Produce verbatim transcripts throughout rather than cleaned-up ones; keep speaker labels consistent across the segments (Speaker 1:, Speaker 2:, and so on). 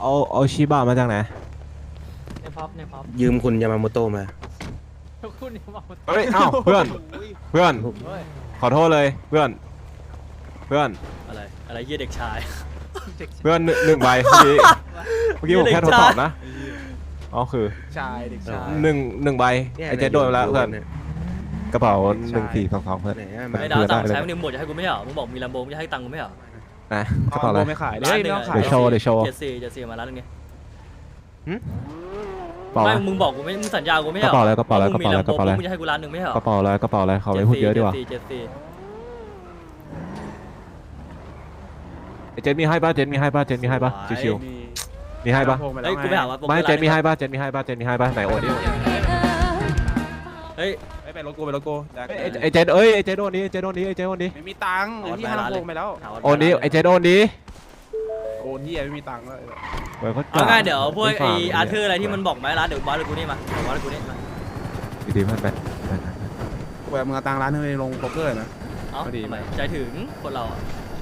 Speaker 1: เอาเอาชิบะมาจากไหน
Speaker 2: ในพับในพับ
Speaker 3: ยืมคุณยามาโมโตะมา
Speaker 2: คุณยามาโมโตะ
Speaker 1: เฮ้ยเอ้าเพื่อนเพื่อนขอโทษเลยเพื่อนเพื่อน
Speaker 4: อะไรอะไรเยี่ยเด็กชาย
Speaker 1: เพื่อนหนึ่งใบเมื่อกี้เมื่อกี้ผมแค่ทดสอบนะอ๋อคือ
Speaker 5: ชายเด็กชาย
Speaker 1: หนึ่งหนึ่งใบไอ้เจ๊โดนแล้วเพื่อนกระเป๋าหนึ่งสี่สองสองเพื่อน
Speaker 4: ไม่ดาวตังค์ใช้มันหมดจะให้กูไม่เหรอมึงบอกมีลำโบงจะให้ตังค์กูไม่เหรอ
Speaker 1: นะกระเป๋าอะไร
Speaker 5: ไม่ขายเลย
Speaker 4: ไม่ต้อง
Speaker 5: ขาย
Speaker 1: เดี๋ยวโชว์เดี๋ยวโชว์
Speaker 4: เจ็ดสี่เจ็ดสี่มาร้านนึงไง
Speaker 1: เปล่า
Speaker 4: ไม่มึงบอกกูไม่มึงสัญญากูไม่เหรอก
Speaker 1: ระเป๋าอะไรกระเป๋าอะไรกระเป๋าอะไรกระเป๋าอะไร
Speaker 4: มึงจะให้กูร้านนึงไม่เหรอก
Speaker 1: ระเป๋าอะไรกระเป๋าอะไรเขาไม่พูดเยอะดีกว่า
Speaker 4: เจ็ดสี่
Speaker 1: ไอ้เจนมีให้ป่ะเจนมีให้ป่ะเจนมีให้ป่ะชิวๆมีให้ป่ะ
Speaker 4: เฮ้ยกูไปหาว่า
Speaker 1: ไม่เจนมีให้ป่ะเจนมีให้ป่ะเจนมีให้ป่ะไหนโอนดิ
Speaker 4: เฮ้ย
Speaker 5: ไปรถกูไปรถกู
Speaker 1: ไอ้เจนเอ้ยไอ้เจนโอนดิไอ้เจนโอนดิไอ้เจนโอนดิ
Speaker 5: ไม่มีตังค์ที่ห้างโกงไปแล้ว
Speaker 1: โอนดิไอ้เจนโอนดิ
Speaker 5: โอนที่ไม่มีตังค์เลย
Speaker 4: เอาง่ายเดี๋ยวพวกไอ้อาร์เธอร์อะไรที่มันบอกไหมร้านเดี๋ยวบอสเลยกูนี่มาบอสเลยกูนี่มา
Speaker 1: ดีๆเพื่อนไป
Speaker 5: แหวกมือตังร้านให้ลงโป๊กเกอร์นะ
Speaker 4: เอ้าทำไมใจถึงคนเราอ่ะ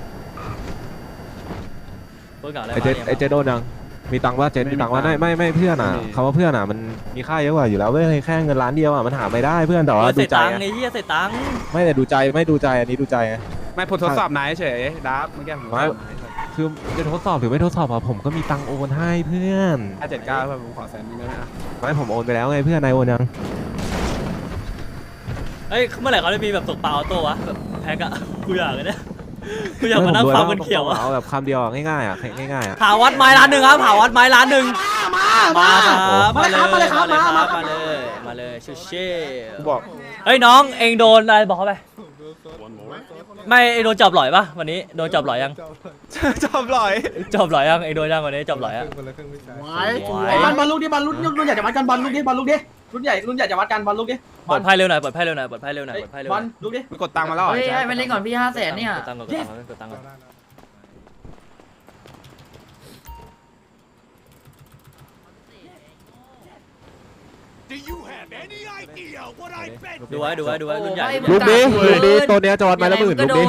Speaker 4: เพื่อนเก่าอะไร
Speaker 1: ไอ้เจนไอ้เจนโดนยังมีตังค์ว่าเจนมีตังค์ว่าไม่ไม่ไม่เพื่อนอ่ะคำว่าเพื่อนอ่ะมันมีค่าเยอะกว่าอยู่แล้วเว้ยแค่เงินล้านเดียวอ่ะมันหาไม่ได้เพื่อนแต่ว่าดูใจ
Speaker 4: ไอ้เหี้ยใส่ตังค์
Speaker 1: ไม่แต่ดูใจไม่ดูใจอันนี้ดูใจไง
Speaker 5: ไม่ผลทดสอบนายเฉยดับเมื่อกี้ผม
Speaker 1: คือจะทดสอบหรือไม่ทดสอบอ่ะผมก็มีตังค์โอนให้เพื่อน
Speaker 5: ห้าเจ็ดเก้าเพื่อนผมขอแสนนึงได้ไหม
Speaker 1: ไม่ผมโอนไปแล้วไงเพื่อนนายโอนยัง
Speaker 4: เฮ้ยเมื่อไหร่เขาจะมีแบบตกปลาออโต้วะแบบแพ็กอะกูอยากเลยเนี่ยกูอยากมานั่งฟังมันเขียวอะ
Speaker 1: เอาแบบคำเดียวง่ายๆอ่ะง่ายๆอ่ะ
Speaker 4: หาวัดไม้ร้านหนึ่งครับหาวัดไม้ร้านหนึ่งมาครับมาเลยมาเลยครับมามาเลยมาเลยชูเช่
Speaker 5: กูบอก
Speaker 4: เฮ้ยน้องเองโดนอะไรบอกเขาไปไม่โดนจับหลอยปะวันนี้โดนจับหลอยยัง
Speaker 5: จับหลอย
Speaker 4: จับหลอยยังเองโดนยังวันนี้จับหลอยอะ
Speaker 2: ไอ้บอลบอลลูกดิบอลลูกรุ่นใหญ่จะวัดกันบอลลูกดิบอลลูกดิรุ่นใหญ่รุ่นใหญ่จะวัดกันบอลลูกดิ
Speaker 4: ปลอดภัยเร็วหน่อยปลอดภัยเร็วหน่อยปลอดภัยเร็วหน่อยปลอดภัยเร็ว
Speaker 2: บอลลูกดิ
Speaker 5: ไปกดตังค์มาแล้ว
Speaker 2: เฮ้ยไปเล่นก่อนพี่ห้าแสนเนี่ย
Speaker 4: กดตังค์ก่อนกดตังค์กดตังค์ก่อนดูไว้ดูไว้ดูไว้รุ่นใหญ่
Speaker 1: ลูกนี้ลูกนี้ตัวเนี้ยจอดมาแล้วหมื่นลูกนี้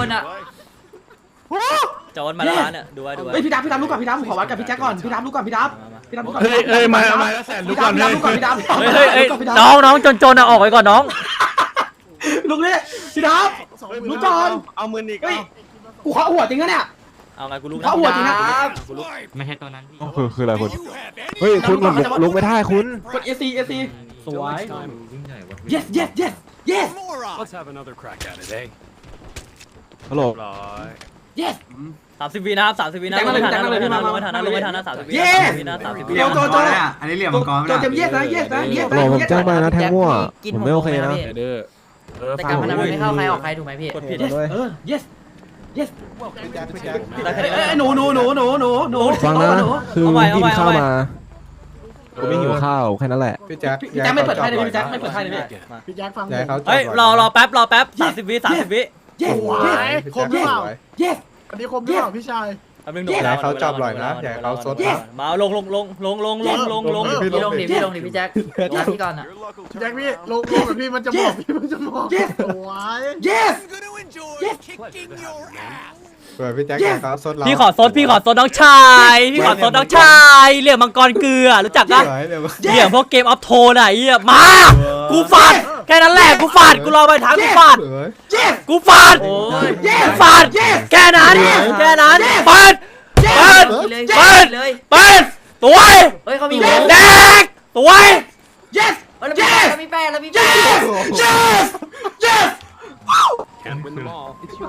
Speaker 4: จอดมาแล้วร้านเนี่ยดูไว้ดูไว้
Speaker 2: เฮ้ยพี่ดับพี่ดับลูกก่อนพี่ดับผมขอวัดกับพี่แจ็คก่อนพี่ดับลูกก่อนพี่ดับพี่ดับลูกก่อน
Speaker 5: เฮ้ยเฮ้ยมามาแล้วแสนลูกก่อนเลย
Speaker 2: ลูกก่อนพี่ดับ
Speaker 4: เฮ้ยเฮ้ยน้องน้องจนจนอะออกไปก่อนน้อง
Speaker 2: ลูกนี้พี่ดับลูกก่อน
Speaker 5: เอามืออีก
Speaker 2: กูขอหัวจริงนะเนี่ย
Speaker 4: เอาไงกูลุกนะ
Speaker 2: ขอหัวจริงนะ
Speaker 4: ไม่ใช่ตัวนั้นพี่
Speaker 1: คือคืออะไรคุณเฮ้ยคุณผมลุกไม่ได้คุณ
Speaker 2: กด เอ ซี เอ ซี สวย yes yes yes yes
Speaker 6: Let's have another crack at it, eh?
Speaker 1: ฮัลโหล
Speaker 2: yes
Speaker 4: สามสิบวินะครับสามสิบวินะลงไม่ทันนะลงไม่ทันนะลงไม่ทันนะลงไม่ทันนะสามสิบวินะสามสิบวิ
Speaker 2: โจโจโจ
Speaker 7: อันนี้เหลี่ยมมังกร
Speaker 2: โจเต็ม yes นะ yes นะ yes
Speaker 1: โหลผมแจ้งมานะแทงมั่วผมไม่โอเคนะ
Speaker 2: แต่การพนันไม่เข้าใครออกใครถูกไหมพี่
Speaker 4: กดผิด
Speaker 2: เออ yes yes หนูหนูหนูหนูหนูหนู
Speaker 1: ฟังนะคือกินข้าวมาผมไม่หิวข้าวแค่นั้นแหละ
Speaker 5: พี่แจ็ค
Speaker 2: พี่แจ็คไม่เปิดไพ่เลยพี่แจ็คไม่เปิดไพ่เลย
Speaker 7: พี่แจ็คฟัง
Speaker 4: เฮ้ยรอรอแป๊บรอแป๊บสามสิบวิสามสิบวิ
Speaker 2: yes
Speaker 7: ครบหรือเปล่า
Speaker 2: yes
Speaker 7: อันนี้ครบหรือเปล่าพี่ชาย
Speaker 5: อย่าเขาจับหน่อยนะอย่าเขาซดนะ
Speaker 4: มาลงลงลงลงลงลงลงลง
Speaker 2: พี่ลงดิพี่ลงดิพี่แจ็ครับพี่ก่อนอ่ะ
Speaker 7: แจ็คพี่ลงลงกับพี่มันจะบอกพี่มันจะบอก
Speaker 2: yes
Speaker 7: yes
Speaker 5: เปิดพี่แจ็คเขาซดเรา
Speaker 4: พี่ขอซดพี่ขอซดน้องชายพี่ขอซดน้องชายเหลี่ยมมังกรเกลือรู้จักปะเหลี่ยมพวกเกมออฟโทนอะไอ้เหี้ยมากูฟาดแค่นั้นแหละกูฟาดกูรอไปทางกูฟาดกูฟาดกูฟาดแค่นั้นแค่นั้นเปิดเปิดเปิดเปิดตัว
Speaker 2: เฮ้ยเขามี
Speaker 4: แดกตัว
Speaker 2: yes yes แล้วมีแป้งแล้วมีแป้ง yes yes
Speaker 6: Can't win them all.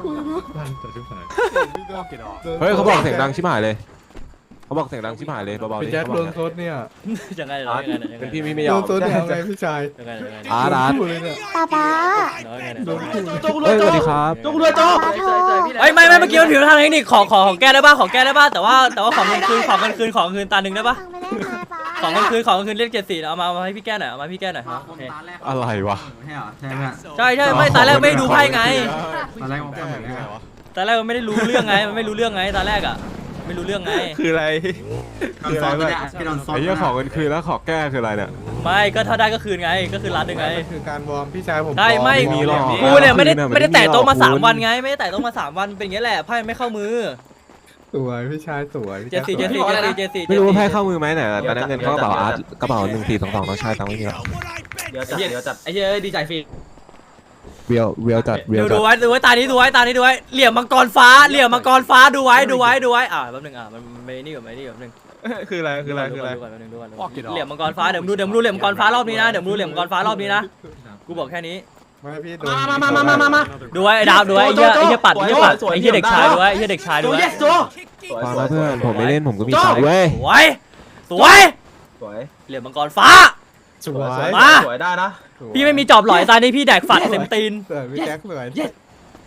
Speaker 1: เฮ้ยเขาบอกเสียงดังชิบหายเลยเขาบอกเสียงดังชิบหายเลยเบาๆดิ
Speaker 5: พี่แจ็คโดนซดเนี่ย
Speaker 4: ยังไงยังไง
Speaker 1: เป็นพี่พี่ไม่ยอม
Speaker 5: โดนซดยังไงพี่ชาย
Speaker 1: อาร์ตอาร์ต
Speaker 8: ป้าป้า
Speaker 1: เฮ้ยสวัสดีครับ
Speaker 2: โจกเลยโจก
Speaker 4: เฮ้ยไม่ไม่เมื่อกี้มันผิดทางเทคนิคขอขอของแก้ได้ป่ะของแก้ได้ป่ะแต่ว่าแต่ว่าของเงินคืนของเงินคืนของคืนตาหนึ่งได้ป่ะของเงินคืนของเงินคืนเรียกเจ็ดสี่เอามาเอาให้พี่แก้หน่อยเอามาพี่แก้หน่อย
Speaker 1: อะไรวะ
Speaker 4: ใช่ใช่ไม่ตาแรกไม่ดูไพ่ไง
Speaker 7: ตอนแรกมันก็เหมือนกัน
Speaker 4: ตาแรกมันไม่ได้รู้เรื่องไงมันไม่รู้เรื่องไงตาแรกอ่ะไม่รู้เรื่องไง
Speaker 5: คืออะไร
Speaker 7: คืออะไรพี่โดนซด
Speaker 1: ไอ้เรื่องของเงินคืนแล้วขอแก้คืออะไรเนี่ย
Speaker 4: ไม่ก็ถ้าได้ก็คืนไงก็คือร้านหนึ่งไง
Speaker 5: คือการวอร์มพี่ชายผม
Speaker 4: ได้ไม่กูเนี่ยไม่ได้ไม่ได้แตะโต๊ะมาสามวันไงไม่ได้แตะโต๊ะมาสามวันเป็นอย่างนี้แหละไพ่ไม่เข้ามือ
Speaker 3: สวยพี่ชายสวย
Speaker 4: เจสี่เจสี่เจสี่เจสี่
Speaker 1: ไม่รู้ว่าแพ้เข้ามือไหมเนี่ยตอนนั้นเงินเข้ากระเป๋าอาร์ตกระเป๋าหนึ่งสี่สองสองน้องชายตังค์ไม่มีแล้ว
Speaker 2: เดี๋ยวจัดเดี๋ยวจัดไอ้เหี้ยดีใจฟรี
Speaker 1: เรียวเรียวจัดเรียว
Speaker 4: ดู
Speaker 1: จัด
Speaker 4: ดูไว้ดูไว้ตานี้ดูไว้ตานี้ดูไว้เหลี่ยมมังกรฟ้าเหลี่ยมมังกรฟ้าดูไว้ดูไว้ดูไว้อ่าแป๊บนึงอ่ะมันไม่นี่ก่อนไม่นี่ก่อนแป๊บนึง
Speaker 5: คืออะไรคืออะไรคืออะไร
Speaker 4: ดูก่อนแป๊บนึงดูก่อนเหลี่ยมมังกรฟ้าเดี๋ยวมึงดูเดี๋ยวมึงดูเหลี่ยมมังกรฟ้ารอบนี้นะเดี๋ยวมึงดูเหลี่ยมมังกรฟ้ารอบนี้นะกูบอกแค่นี้
Speaker 3: ไม่พี่
Speaker 2: มามามามามามา
Speaker 4: ดูไว้ไอ้ดาวดูไว้ไอ้เหี้ยไอ้เหี้ยปัดไอ้เหี้ยปัดไอ้เหี้ยเด็กชายดูไว้ไอ้เหี้ยเด็กชาย
Speaker 2: โจ
Speaker 4: ดูไว้
Speaker 2: เยสโจ
Speaker 1: ฟังนะเพื่อนผมไม่เล่นผมก็มีตังค์เว้ย
Speaker 4: สวยสวย
Speaker 2: สวย
Speaker 4: เหลี่ยมมังกรฟ้า
Speaker 3: สวย
Speaker 4: มา
Speaker 2: สวยได้นะ
Speaker 4: พี่ไม่มีจอบหลอยตานี้พี่แดกฝัดเต็มตีน
Speaker 3: สวยพี่แจ็คสวย
Speaker 2: เย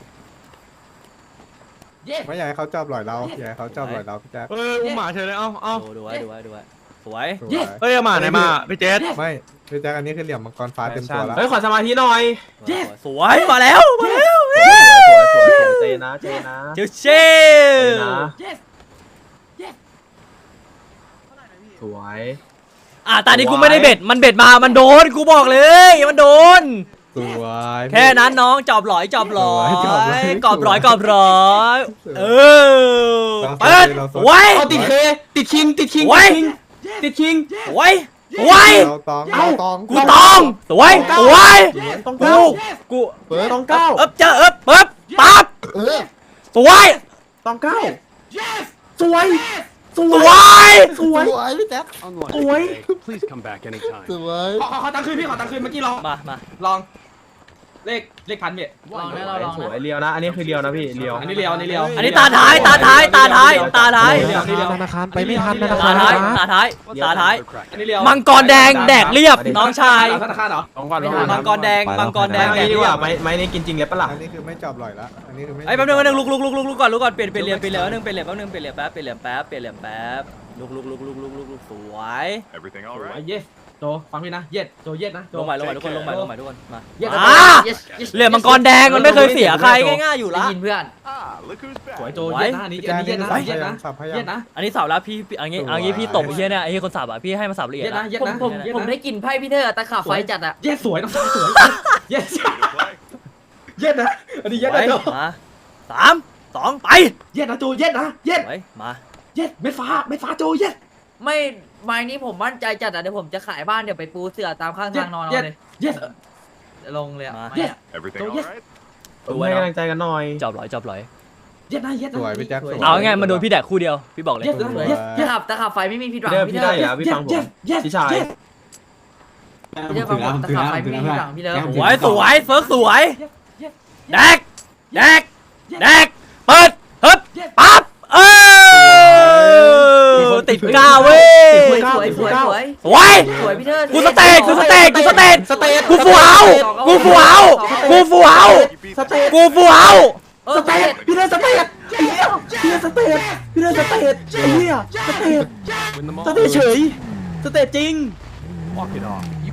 Speaker 2: ส
Speaker 3: ไม่อยากให้เขาจับหลอยเราอยากให้เขาจับหลอยเราพี่แจ็ค
Speaker 5: เอออุ้มหมาเฉยเลยเอ้าเอ้า
Speaker 4: ดูดูไว้ดูไว้ดูไว้สวย
Speaker 3: สวย
Speaker 5: เฮ้ยเอาหมาไหนมาพี่เจส
Speaker 3: ไม่พี่แจ็คอันนี้คือเหลี่ยมมังกรฟ้าเต็มตัวแล้ว
Speaker 2: เฮ้ยขอสมาธิหน่อย
Speaker 4: สวยมาแล้วมาแล้ว
Speaker 2: สวยสวยสวยเจนะเจนะ
Speaker 4: เจ้าเช
Speaker 2: เจ
Speaker 4: ล
Speaker 2: นะสวย
Speaker 4: อ่ะตอนนี้กูไม่ได้เบ็ดมันเบ็ดมามันโดนกูบอกเลยมันโดน
Speaker 3: สวย
Speaker 4: แค่นั้นน้องจอบหลอยจอบหลอย
Speaker 3: จอบหลอย
Speaker 4: กรอบหลอยกรอบหลอยเออ
Speaker 3: เราส
Speaker 4: เปิด
Speaker 3: เราส
Speaker 4: ไว้
Speaker 2: เอาติดเคติดคิงติดคิง
Speaker 4: ไว้
Speaker 2: ติดคิง
Speaker 4: ไว้ไว้
Speaker 3: เราตองเราตอง
Speaker 4: กูตองสวยสวย
Speaker 2: ต้อง
Speaker 4: กู
Speaker 2: เก้า
Speaker 4: กู
Speaker 3: เปิด
Speaker 2: ต้องเก้า
Speaker 4: เอ๊บเจอเอ๊บเอ๊บปั๊บ
Speaker 3: เออ
Speaker 4: สวย
Speaker 2: ต้องเก้าสวยส
Speaker 4: ส
Speaker 2: วย
Speaker 4: วย
Speaker 2: สวย
Speaker 3: สวยพี่แจ็ค
Speaker 6: Unlucky
Speaker 2: Oi.
Speaker 6: today. Please come back anytime.
Speaker 3: สวย
Speaker 2: ขอขอขอตังค์คืนพี่ขอตังค์คืนเมื่อกี้ลอง
Speaker 4: มามา
Speaker 2: ลอง เลขเลขพันเบีย
Speaker 8: ลองนะเราลอง
Speaker 2: สวย
Speaker 8: นะ
Speaker 2: เลียวนะ อันนี้คือเลียวนะพี่เลียวอันนี้เลียวอันนี้เลียว
Speaker 4: อันนี้ตาท้ายตาท้ายตาท้ายตาท้าย
Speaker 2: เดี๋ยวเดี๋ยว
Speaker 1: ธนาคารไปไม่ทันธนา
Speaker 4: ตา
Speaker 1: คาร
Speaker 4: ท้าย
Speaker 1: นะ
Speaker 4: ตาท้ายตาท้าย
Speaker 6: Another crack
Speaker 2: อัน
Speaker 6: at
Speaker 2: นี้
Speaker 6: it.
Speaker 2: เลียว
Speaker 4: มังกรแดงแดกเรียบน้องชาย
Speaker 2: ธนาคารเหรอ
Speaker 5: ลองก่อนลอง
Speaker 4: มั
Speaker 5: ก่อน
Speaker 4: งกรแดงมังกรแดงแดก
Speaker 2: ดี
Speaker 4: เรี
Speaker 2: ก
Speaker 4: ย
Speaker 2: ว่า
Speaker 4: บ
Speaker 2: ไม้ไม้นี้กินจริงเลยปะล่ะ
Speaker 3: อันนี้คือไม่จับหลอยละอันนี้คือไม่
Speaker 4: ไอ้ยแป๊บนึงแป๊บนึงลุกลุกลุกลุกลุกก่อนลุกก่อนเปลี่ยนเปลี่ยนเหลี่ยมเปลี่ยนเหลี่ยมแป๊บนึงเปลี่ยนเหลี่ยมแป๊บนึงเปลี่ยนเหลี่ยมแป๊บเปลี่ยนเหลี่ยมแป๊บเปลี่ยนเหลี่ยมแป๊บลุกลุกลุกลุกลุกลุกลุกสวย
Speaker 6: Everything
Speaker 2: ส
Speaker 6: all
Speaker 2: วย
Speaker 6: right?
Speaker 2: เยสโจฟังพี่นะเยสโจเยสนะโจ
Speaker 4: ลงใหม่ลงใหม่ทุกคนลงใหม่ลงใหม่ทุกคนมา
Speaker 2: เยส
Speaker 4: อ่าเหลี่ยมมังกรแดงมันไม่เคยเสียใครง่ายๆอยู่
Speaker 8: ได้
Speaker 4: ละ
Speaker 8: ยินเพื่อน
Speaker 6: Ah, look who's
Speaker 2: สวย
Speaker 6: back.
Speaker 2: โจเยสนะอันนี้อันนี้เยสนะเยสนะ
Speaker 3: สับพยา
Speaker 2: เย
Speaker 3: ยา
Speaker 2: ส
Speaker 3: ม
Speaker 2: นะ
Speaker 4: อันนี้สับแล้วพี่พี่อันนี้อันนี้พี่ตบไอ้เหี้ยเนี่ยไอ้เหี้ยคนสับอ่ะพี่ให้มาสับละเอีย
Speaker 2: เย
Speaker 4: ด
Speaker 2: ส
Speaker 4: นะ
Speaker 2: นะเยส
Speaker 8: ผม
Speaker 2: นะ
Speaker 8: ผมผมได้กลิ่นไพ่พี่เธอตะขาบไฟจัดอะ
Speaker 2: เยสสวยน้องสวยเยส
Speaker 6: Play.
Speaker 2: เยสนะอันนี้เยส
Speaker 4: ไว้
Speaker 2: นะโจ
Speaker 4: มาสามสองไป
Speaker 2: เยสนะโจเยสนะเยส
Speaker 4: ไว้มา
Speaker 2: เยสเม็ดฟ้าเม็ดฟ้าโจเยส
Speaker 8: ไม่ไม้นี้ผมมั่นใจจัดอะเดี๋ยวผมจะขายบ้านเดี๋ยวไปปูเสือตามข้างทางนอนเอาเลย
Speaker 2: เยส
Speaker 8: ลงเลยอะ
Speaker 4: มา
Speaker 8: ไม้อะ
Speaker 6: Everything
Speaker 2: Go,
Speaker 6: all
Speaker 2: yes.
Speaker 6: right?
Speaker 4: ดูไว้
Speaker 2: ให้
Speaker 4: นะ
Speaker 2: กำลังใจกันหน่อย
Speaker 4: จอบหลอยจอบหลอย
Speaker 2: เยสนะเยส
Speaker 3: สวยพี่แจ็คสวย
Speaker 4: เอาง่ายๆมาโดนพี่แดกคู่เดียวพี่บอกเลย
Speaker 2: เยสนะเยสเย
Speaker 8: ตะ
Speaker 2: ส
Speaker 8: ขาบตะขาบไฟไม่มีผิดหวัง
Speaker 2: เดี๋ยว
Speaker 8: พี่
Speaker 2: พี่
Speaker 8: เธ
Speaker 2: ได้
Speaker 8: อ
Speaker 2: เหรอพี่ฟังผมพี่ชาย
Speaker 8: พี่เธอฟังผมตะขาบไฟไม่มีผิดหวังพี่เธอ
Speaker 4: สวยสวยเฟิร์กสวยแดกแดกแดกเปิดฮึบปั๊บเออติดกาวเว้ย
Speaker 8: สวยสวยสวยสวย
Speaker 4: สวย
Speaker 8: สวยพี่เธอ
Speaker 4: กูสเตตกูสเตตกูสเตตกูฟูเอากูฟูเอากูฟูเอา
Speaker 2: สเตต
Speaker 4: กูฟูเอา
Speaker 8: เออ
Speaker 2: สเตตพี่เดินสเตตไอ้เหี้ยพี่เดินสเตตพี่เดินสเตตไอ้เหี้ยสเตต
Speaker 6: Win them
Speaker 2: ส
Speaker 6: all.
Speaker 2: เตตเฉยสเตตจริง
Speaker 6: Walk it off.